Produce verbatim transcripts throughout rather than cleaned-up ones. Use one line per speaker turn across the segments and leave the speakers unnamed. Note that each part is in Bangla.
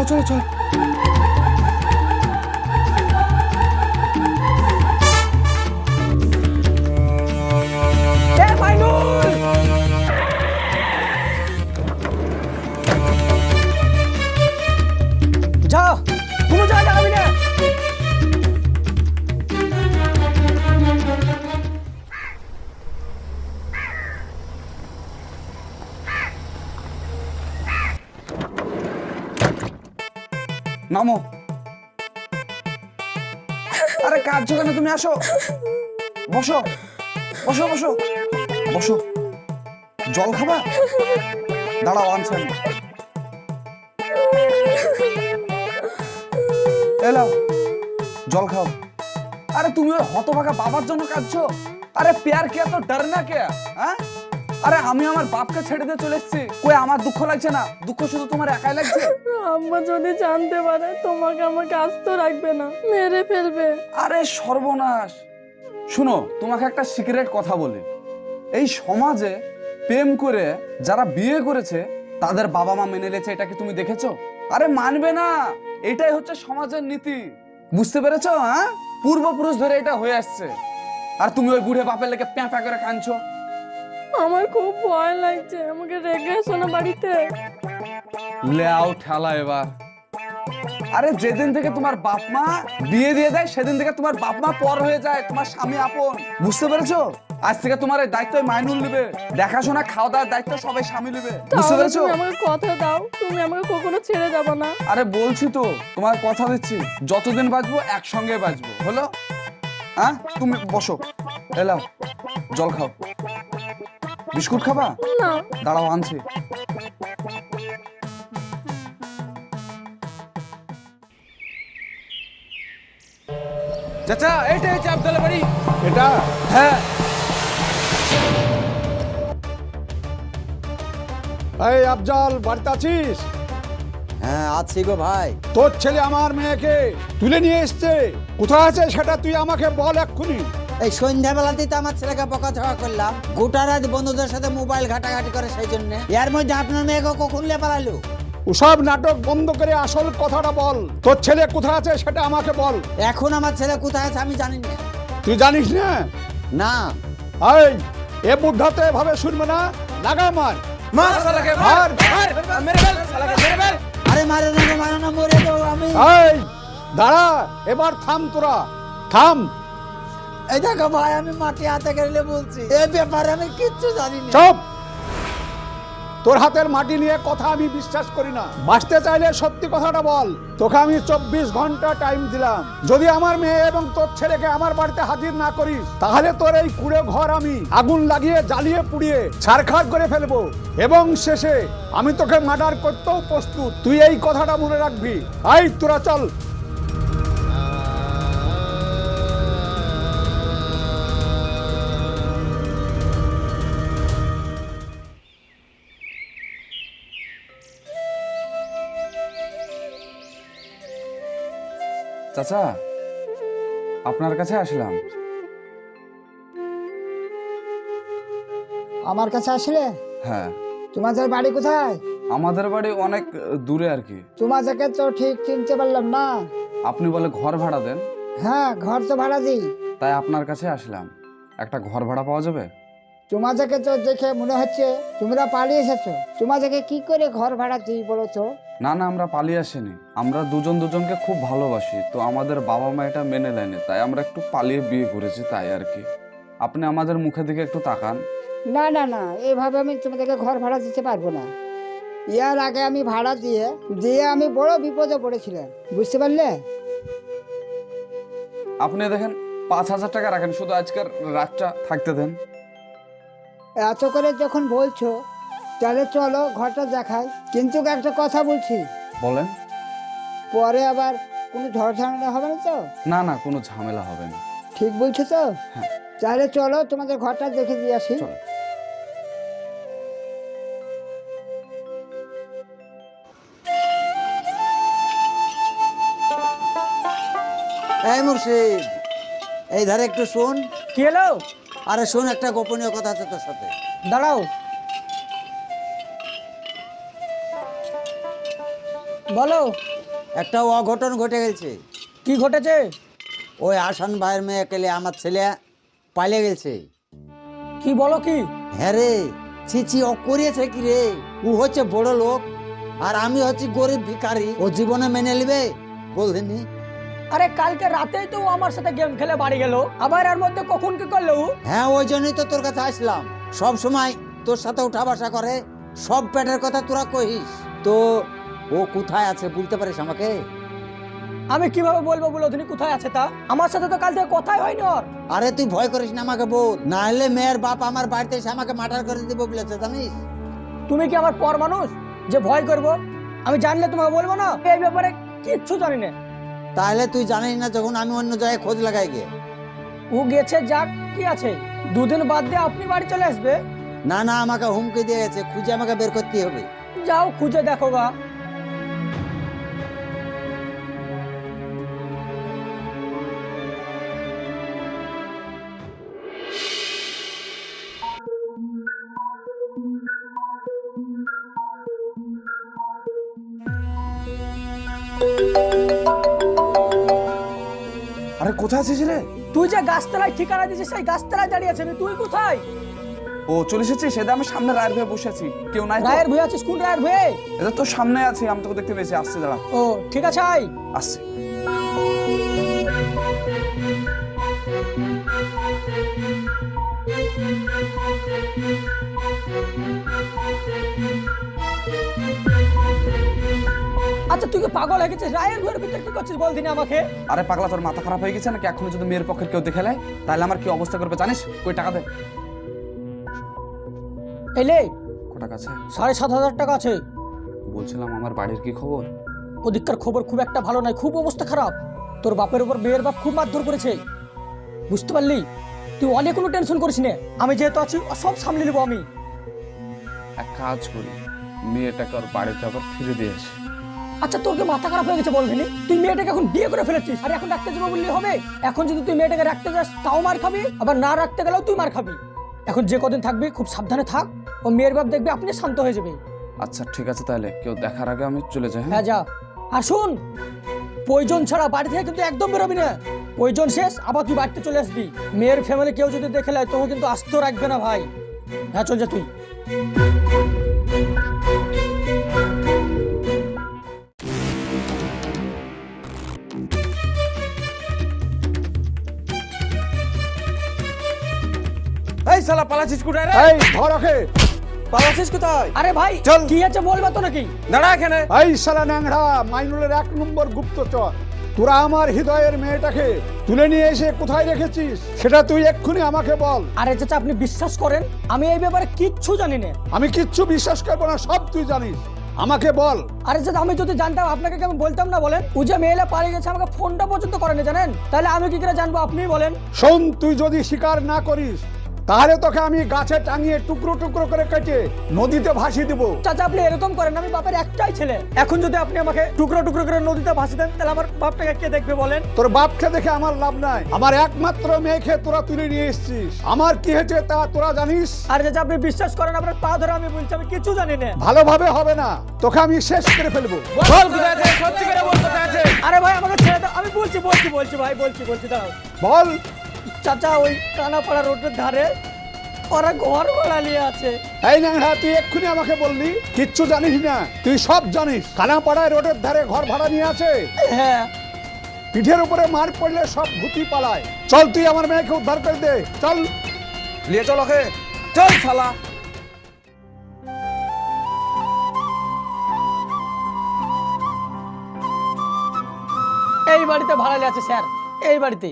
চলো চলো।
যা কোনো জায়গা লাগাবি না।
নামো। আরে কাঁদছো কেন তুমি? আসো, বসো বসো বসো বসো। জল খাবা? দাঁড়াও, আনছি আমি। এলাও, জল খাও। আরে তুমি ওই হতভাগা বাবার জন্য কাঁদছো? আরে প্যার কে তো ডর না কে? হ্যাঁ, আরে আমি আমার বাপকে ছেড়ে দিয়ে চলে এসেছি, কই আমার দুঃখ লাগছে না? দুঃখ শুধু তোমার একাই লাগছে?
আম্মা যদি জানতে পারে তোমাকে আমাকে আস্ত রাখবে না, মেরে ফেলবে।
আরে সর্বনাশ। শুনো, তোমাকে একটা সিক্রেট কথা বলি। এই সমাজে প্রেম করে যারা বিয়ে করেছে তাদের বাবা মা মেনে নিয়েছে, এটা কি তুমি দেখেছো? আরে মানবে না, এটাই হচ্ছে সমাজের নীতি। বুঝতে পেরেছো? হ্যাঁ, পূর্বপুরুষ ধরে এটা হয়ে আসছে, আর তুমি ওই বুড়ে বাপের লেগে প্যাঁ প্যাঁ করে কাঁদছো।
আমার খুব ভয় লাগছে, আমাকে রেখে এসো না বাড়িতে।
লেও ঠেলা এবার। আরে যেদিন থেকে তোমার বাপ মা বিয়ে দিয়ে দেয় সেদিন থেকে তোমার বাপ মা পর হয়ে যায়, তোমার স্বামী আপন। বুঝতে পেরেছো? আজ থেকে তোমার এই দায়িত্ব মাইনুল নেবে, দেখাশোনা খাওয়া দাওয়ার দায়িত্ব সবাই স্বামী নেবে। বুঝতে পেরেছো?
তুমি আমাকে কথা দাও, তুমি আমাকে কখনো ছেড়ে যাবে না।
আরে বলছি তো, তোমার কথা দিচ্ছি, যতদিন বাঁচবো একসঙ্গে বাঁচবো। হলো? হ্যাঁ, তুমি বসো, এলাও, জল খাও। বিস্কুট খাবা?
না।
দাঁড়াও, আনছি। চাচা, এইটা হচ্ছে আবদুল্লাহ বাড়ি।
এটা?
হ্যাঁ।
এই আফজাল, বাড়িতে আছিস?
হ্যাঁ আছি গো ভাই।
তোর ছেলে আমার মেয়েকে তুলে নিয়ে এসছে, কোথায় আছে সেটা তুই আমাকে বল এক্ষুনি।
এই সন্ধ্যাবেলাতেই তো আমার ছেলেকে বকাঝকা করলাম, গোটা রাত বন্ধুদের সাথে মোবাইল ঘাটাঘাটি করে, সেই জন্য। এর মধ্যে আপনার মেয়েকে কখন লে পালালো?
ওসব নাটক বন্ধ করে আসল কথাটা বল। তোর ছেলে কোথায় আছে সেটা আমাকে বল।
এখন আমার ছেলে কোথায় আছে আমি জানি না।
তুই জানিস না?
না।
এই এ বুদ্ধাতে এভাবে শুনবে না, লাগা মার।
মার শালাকে, মার মার, মেরে ফেল শালাকে, মেরে ফেল।
আরে মারে না গো, মারে না, মরে যাবো আমি।
এই দাঁড়া, এবার থাম, তোরা থাম।
এই দেখো ভাই, আমি মাটি হাতে গেলে বলছি, এই ব্যাপারে আমি কিচ্ছু জানি না।
চুপ! তোর হাতের মাটি নিয়ে কথা আমি বিশ্বাস করি না। বাঁচতে চাইলে সত্যি কথাটা বল। তোকে আমি চব্বিশ ঘন্টা টাইম দিলাম, যদি আমার মেয়ে এবং তোর ছেলেকে আমার বাড়িতে হাজির না করিস তাহলে তোর এই কুড়ে ঘর আমি আগুন লাগিয়ে জ্বালিয়ে পুড়িয়ে ছারখার করে ফেলবো, এবং শেষে আমি তোকে মার্ডার করতেও প্রস্তুত। তুই এই কথাটা মনে রাখবি। আই তোরা চল।
চাচা, আপনার কাছে আসলাম।
আমার কাছে আসলে?
হ্যাঁ।
তোমাদের বাড়ি কোথায়?
আমাদের বাড়ি অনেক দূরে আর কি।
তোমাদেরকে তো ঠিক চিনতে পারলাম না।
আপনি বলে ঘর ভাড়া দেন?
হ্যাঁ, ঘর তো ভাড়া দিই।
তাই আপনার কাছে আসলাম, একটা ঘর ভাড়া পাওয়া যাবে?
তোমাদেরকে তো দেখে মনে হচ্ছে তোমরা পালিয়ে এসেছো। তোমাদেরকে কি করে ঘর ভাড়া দিই বলো তো?
না না, আমরা পালিয়ে আসিনি, আমরা দুজন দুজনকে খুব ভালোবাসি, তো আমাদের বাবা মা এটা মেনে নেয়নি, তাই আমরা একটু পালিয়ে বিয়ে করেছি, তাই আর কি। আপনি আমাদের মুখের দিকে একটু তাকান।
না না না, এইভাবে আমি তোমাদেরকে ঘর ভাড়া দিতে পারবো না। ইয়ার আগে আমি ভাড়া দিয়ে দিয়ে আমি বড় বিপদে পড়েছিলাম, বুঝতে পারলে?
আপনি দেখেন, পাঁচ হাজার টাকা রাখেন, শুধু আজকের রাতটা থাকতে দেন।
এত করে যখন বলছো তাহলে চলো ঘরটা দেখাই, কিন্তু একটা কথা বলছি,
বলেন।
পরে আবার কোনো ঝড় ঝামেলা হবে না তো?
না না, কোনো ঝামেলা হবে না।
ঠিক বলছো তো?
হ্যাঁ।
তাহলে চলো তোমাদের ঘরটা দেখে দিয়ে আসি।
চলো।
এই মুর্শিদ, এই ধারে একটু শোন।
কি হলো?
আরে শোন, একটা গোপনীয় কথা আছে তোর সাথে।
দাঁড়াও, বলো।
একটা অঘটন ঘটে গেছে।
কি ঘটেছে?
ওই আসান ভাইয়ের মেয়ে কেলে আমার ছেলে পালিয়ে গেছে।
কি বলো কি?
হ্যাঁ রে, ছিছি ও করিয়েছে কি রে? ও হচ্ছে বড় লোক আর আমি হচ্ছি গরিব ভিখারি। ও জীবনে মেনে নিবে বলছিনি?
আরে কালকে রাতেই তো ও আমার সাথে গেম খেলে বাড়ি গেল, আবার এর মধ্যে কখন কি করলো?
হ্যাঁ, ওই জন্যই তো তোর কাছে আসলাম। সব সময় তোর সাথে উঠা বসা করে, সব পেটের কথা তোরা কহিস। তো ও কোথায় আছে বলতে পারিস আমাকে?
আমি কিভাবে বলবো বলো তুমি কোথায় আছে তা? আমার সাথে তো কাল থেকে কথাই হয়নি ওর।
আরে তুই ভয় করিস না, আমাকে বল, না হলে মেয়ের বাপ আমার বাড়িতে এসে আমাকে মার্ডার করে দিব বলেছে, জানিস?
তুমি কি আমার পর মানুষ যে ভয় করব? আমি জানলে তোমাকে বলবো না? এই ব্যাপারে কিচ্ছু জানি না।
তাহলে তুই জানিস না যখন আমি অন্য জায়গায় খোঁজ লাগাই গে?
ও গেছে যাক, কি আছে, দুদিন বাদ দিয়ে আপনি বাড়ি চলে আসবে।
না না, আমাকে হুমকি দিয়ে গেছে, খুঁজে আমাকে বের করতে হবে।
যাও খুঁজে দেখো গা।
আরে কোথায় আছিস রে?
তুই যে গাছতলায় ঠিকানা দিয়েছিস সেই গাছতলায় দাঁড়িয়ে আছিস, তুই কোথায়?
ও চলে এসেছিস? সেটা আমি সামনে রায়ের ভয়ে বসে আছি, কেউ নাই তো?
রায়ের ভয়ে আছিস? কোন রায়ের ভয়ে?
এটা তো সামনে আছি, আমি তোকে দেখতে পেয়েছি। আসছে, দাঁড়া।
ও ঠিক আছে, আয়।
আসছে।
আচ্ছা তুই কি পাগল হয়ে গেছিস? রায়ের ভয়ের ভিতরে কি করছিস বল দিনে আমাকে?
আরে পাগলা, তোর মাথা খারাপ হয়ে গেছে নাকি? এখন যদি মেয়ের পক্ষের কেউ দেখে নেয় তাহলে আমার কি অবস্থা করবে জানিস? কই টাকা দে।
এলে
কত টাকা আছে?
সাড়ে সাত হাজার টাকা আছে।
বলছিলাম আমার বাড়ির কি খবর?
ওদিককার খবর খুব একটা ভালো নয়, খুব অবস্থা খারাপ। তোর বাপের উপর মেয়ের বাপ খুব মারধর করেছে, বুঝতে পারলি? তুই অনেক কোনো টেনশন করিস না, আমি যেহেতু আছি সব সামলে নেবো আমি।
এক কাজ করি, মেয়েটাকে ওর বাড়িতে আবার ফিরে দিয়ে আসি।
আচ্ছা তোর কি মাথা খারাপ হয়ে গেছে বলবিনি? তুই মেয়েটাকে এখন বিয়ে করে ফেলেছিস আর এখন রাখতে যাবো বললে হবে? এখন যদি তুই মেয়েটাকে রাখতে যাস তাও মার খাবি, আবার না রাখতে গেলেও তুই মার খাবি। এখন যে কদিন থাকবি খুব সাবধানে থাক, ও মেয়ের বাপ দেখবে আপনি শান্ত হয়ে যাবে।
আচ্ছা ঠিক আছে, তাহলে কেউ দেখার আগে আমি চলে যাই।
হ্যাঁ যা। আর শুন, প্রয়োজন ছাড়া বাড়ি থেকে কিন্তু একদম বেরোবি না। প্রয়োজন শেষ আবার তুই বাড়িতে চলে আসবি। মেয়ের ফ্যামিলি কেউ যদি দেখে নেয় তোকে কিন্তু আসতে রাখবে না ভাই। হ্যাঁ চল যা তুই।
এই শালা পালাছিস কোথায় রে?
এই ধর ওকে।
পালাছিস কোথায়?
আরে ভাই
চল।
কি আছে বলবা তো নাকি?
দাঁড়া এখানে।
এই শালা ন্যাংরা মাইনুলের এক নম্বর গুপ্তচর, তোরা আমার হৃদয়ের মেয়েটাকে তুলে নিয়ে এসে কোথায় রেখেছিস সেটা তুই এক্ষুনি আমাকে বল।
আরে চাচা আপনি বিশ্বাস করেন আমি এই ব্যাপারে কিচ্ছু জানি না।
আমি কিচ্ছু বিশ্বাস করবো না, সব তুই জানিস, আমাকে বল।
আরে চাচা আমি যদি জানতাম আপনাকে কি আমি বলতাম না বলেন? ও যে মেয়েলা পালিয়ে গেছে আমাকে ফোনটা পর্যন্ত করেনি জানেন, তাহলে আমি কি করে জানবো আপনিই বলেন?
শোন, তুই যদি স্বীকার না করিস তাহলে তোকে আমি গাছে টাঙিয়ে টুকরো টুকরো করে কেটে নদীতে ভাসিয়ে দেবো।
চাচা আপনি এরকম করেন, আমি বাপের একটাই ছেলে। এখন যদি আপনি আমাকে টুকরো টুকরো করে নদীতে ভাসিয়ে দেন তাহলে আমার বাপটাকে কে দেখবে বলেন?
তোর বাপকে দেখে আমার লাভ নাই, আমার একমাত্র মেয়েকে তোরা তুলে নিয়ে এসেছিস, আমার কি হয়েছে তা তোরা জানিস।
আরে চাচা আপনি বিশ্বাস করেন, আপনার পা ধরে আমি বলছি আমি কিছু জানি না।
ভালোভাবে হবে না, তোকে আমি শেষ করে ফেলবো।
বল কোথায় আছে? সত্যি করে বল কোথায় আছে?
আরে ভাই আমাকে ছেড়ে দাও, আমি বলছি বলছি বলছি ভাই বলছি বলছি দাঁড়াও।
বল।
চাচা ওই কানাপাড়া রোডের ধারে ওরা ঘর ভাড়া নিয়ে আছে।
এই ন্যাংরা তুই এক্ষুনি আমাকে বললি কিচ্ছু জানিস না, তুই সব জানিস। কানাপাড়ায় রোডের ধারে ঘর ভাড়া নিয়ে আছে।
হ্যাঁ
পিঠের উপরে মার পড়লে সব ভূতি পালায়। চল তুই আমার মেয়েকে উদ্ধার করে দে, চল।
নিয়ে চল ওকে, চল শালা।
এই বাড়িতে ভাড়া নিয়ে আছে স্যার, এই বাড়িতে।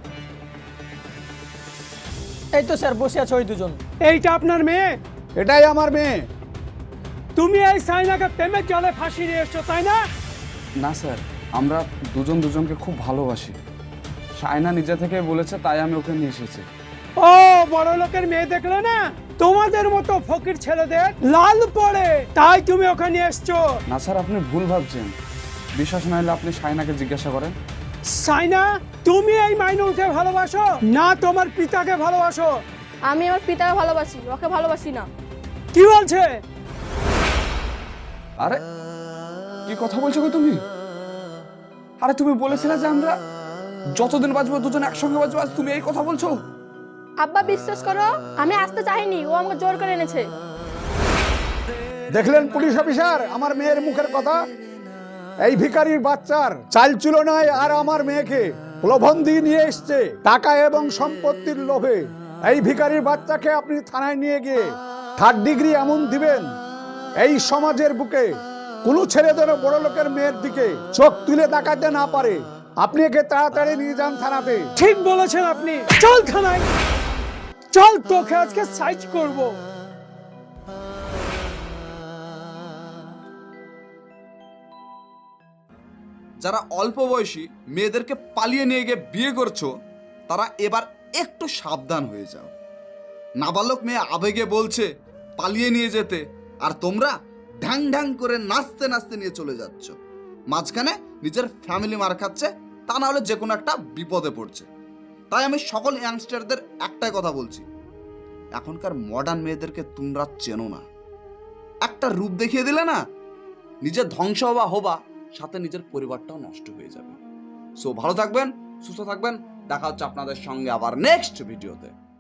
এই তো স্যার বসে আছে ওই দুজন।
এইটা আপনার মেয়ে?
এটাই আমার মেয়ে।
তুমি এই সাইনাকে প্রেমের জলে ফাঁসি নিয়ে এসছো তাই না?
না স্যার, আমরা দুজন দুজনকে খুব ভালোবাসি। সায়না নিজে থেকে বলেছে তাই আমি ওকে নিয়ে এসেছি।
ও বড় লোকের মেয়ে দেখলে না, তোমাদের মতো ফকির ছেলেদের লাল পড়ে, তাই তুমি ওখানে এসছো।
না স্যার, আপনি ভুল ভাবছেন। বিশ্বাস না হলে আপনি সায়নাকে জিজ্ঞাসা করেন।
সাইনা তুমি এই মাইনুলকে ভালোবাসো না তোমার পিতাকে ভালোবাসো?
আমি আমার পিতাকে ভালোবাসি, ওকে ভালোবাসি না।
কি বলছে?
আরে কি কথা বলছো গো তুমি? আরে তুমি বলেছিলে যে আমরা যতদিন বাঁচবো দুজন একসঙ্গে বাঁচবো, আজ তুমি এই কথা বলছো?
আব্বা বিশ্বাস করো, আমি আসতে চাইনি, ও আমাকে জোর করে এনেছে।
দেখলেন পুলিশ অফিসার আমার মেয়ের মুখের কথা? এই ভিখারির বাচ্চার চাল চুলো নাই আর আমার মেয়েকে প্রলোভন দিয়ে নিয়ে এসছে টাকা এবং সম্পত্তির লোভে। এই ভিখারির বাচ্চাকে আপনি থানায় নিয়ে গিয়ে থার্ড ডিগ্রি এমন দিবেন এই সমাজের বুকে কোনো ছেলে যেন বড় লোকের মেয়ের দিকে চোখ তুলে তাকাতে না পারে। আপনি একে তাড়াতাড়ি নিয়ে যান থানাতে।
ঠিক বলেছেন আপনি, চল থানায় চল, তোকে আজকে সাইজ করব।
যারা অল্প বয়সী মেয়েদেরকে পালিয়ে নিয়ে গিয়ে বিয়ে করছো, তারা এবার একটু সাবধান হয়ে যাও। নাবালক মেয়ে আবেগে বলছে পালিয়ে নিয়ে যেতে, আর তোমরা ঢ্যাং ঢ্যাং করে নাচতে নাচতে নিয়ে চলে যাচ্ছ। মাঝখানে নিজের ফ্যামিলি মার খাচ্ছে, তা না হলে যে কোনো একটা বিপদে পড়ছে। তাই আমি সকল ইয়াংস্টারদের একটাই কথা বলছি, এখনকার মডার্ন মেয়েদেরকে তোমরা চেনো না। একটা রূপ দেখিয়ে দিলে না, নিজের ধ্বংস হবা হবা, সাথে নিজের পরিবারটাও নষ্ট হয়ে যাবে। সো ভালো থাকবেন, সুস্থ থাকবেন, দেখা হচ্ছে আপনাদের সঙ্গে আবার নেক্সট ভিডিওতে।